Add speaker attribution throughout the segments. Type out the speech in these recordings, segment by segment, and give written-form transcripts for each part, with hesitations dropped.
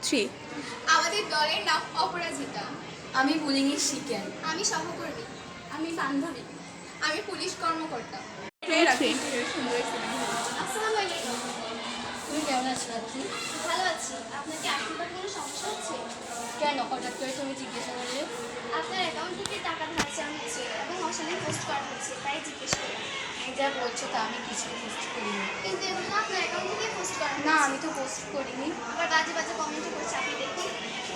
Speaker 1: Three.
Speaker 2: আমাদের দলের নাম অপরাজিতা।
Speaker 3: আমি বুলিংয়ের শিকার।
Speaker 2: আমি সহকর্মী।
Speaker 3: আমি বান্ধবী।
Speaker 2: আমি পুলিশ কর্মকর্তা।
Speaker 1: থ্রি।
Speaker 2: আসসালামু আলাইকুম।
Speaker 3: তুমি কেমন আছো রাত্রি?
Speaker 2: ভালো আছি। আপনার কি আর্থিক কোনো সমস্যা হচ্ছে?
Speaker 3: কেন হঠাৎ করে তুমি জিজ্ঞাসা করলে?
Speaker 2: আপনার অ্যাকাউন্ট থেকে টাকা ধার চাওয়া হচ্ছে এবং অশালীন পোস্ট করা হচ্ছে, তাই জিজ্ঞেস করলাম।
Speaker 3: তুমি যা বলছো তা আমি কিছু পোস্ট করিনি।
Speaker 2: কিন্তু এগুলো তো আপনার অ্যাকাউন্ট থেকে পোস্ট করা
Speaker 3: না,
Speaker 2: হচ্ছে।
Speaker 3: আমি তো পোস্ট করিনি।
Speaker 2: আবার বাজে বাজে কমেন্ট করছে, আপনি দেখুন।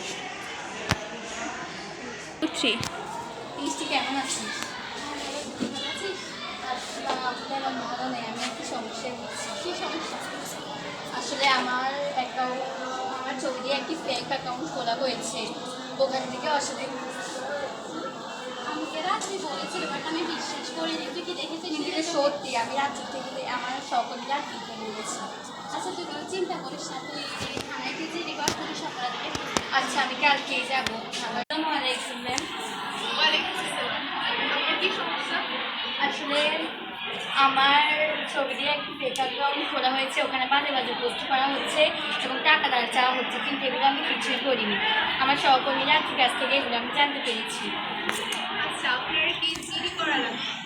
Speaker 1: থ্রি।
Speaker 3: মিষ্টি কেমন আছিস?
Speaker 2: ভালো আছিস?
Speaker 3: আপনার ভালো নেই, আমি একটু সমস্যায় ভুগছি।
Speaker 2: কী সমস্যা?
Speaker 3: আসলে আমার ছবি দিয়ে একটি ফেক অ্যাকাউন্ট খোলা হয়েছে, ওখান থেকে অশালীন।
Speaker 2: আমাকে রাত্রি বলেছিল, বাট আমি বিশ্বাস করিনি। তুই কি দেখেছিস?
Speaker 3: কিন্তু এটা সত্যি, আমি রাত্রি থেকে আমার সকলরা টিকে নিয়েছি।
Speaker 2: আচ্ছা, তুই কোনো চিন্তা করিস না, তুই থানায় গিয়ে রিপোর্ট করিস অপরাধীকে।
Speaker 3: আচ্ছা, আমি কালকেই যাবো। আসসালামু আলাইকুম ম্যাম।
Speaker 2: আপনার কী সমস্যা?
Speaker 3: আসলে আমার ছবি দিয়ে একটি ফেক অ্যাকাউন্ট খোলা হয়েছে, ওখানে বাজে বাজে পোস্ট করা হচ্ছে এবং টাকা ধার চাওয়া হচ্ছে, কিন্তু এগুলো আমি কিছুই করিনি। আমার সহকর্মীরা কাছ থেকে এগুলো আমি জানতে পেরেছি।
Speaker 2: আচ্ছা, আপনার কি জিডি করা লাগবে?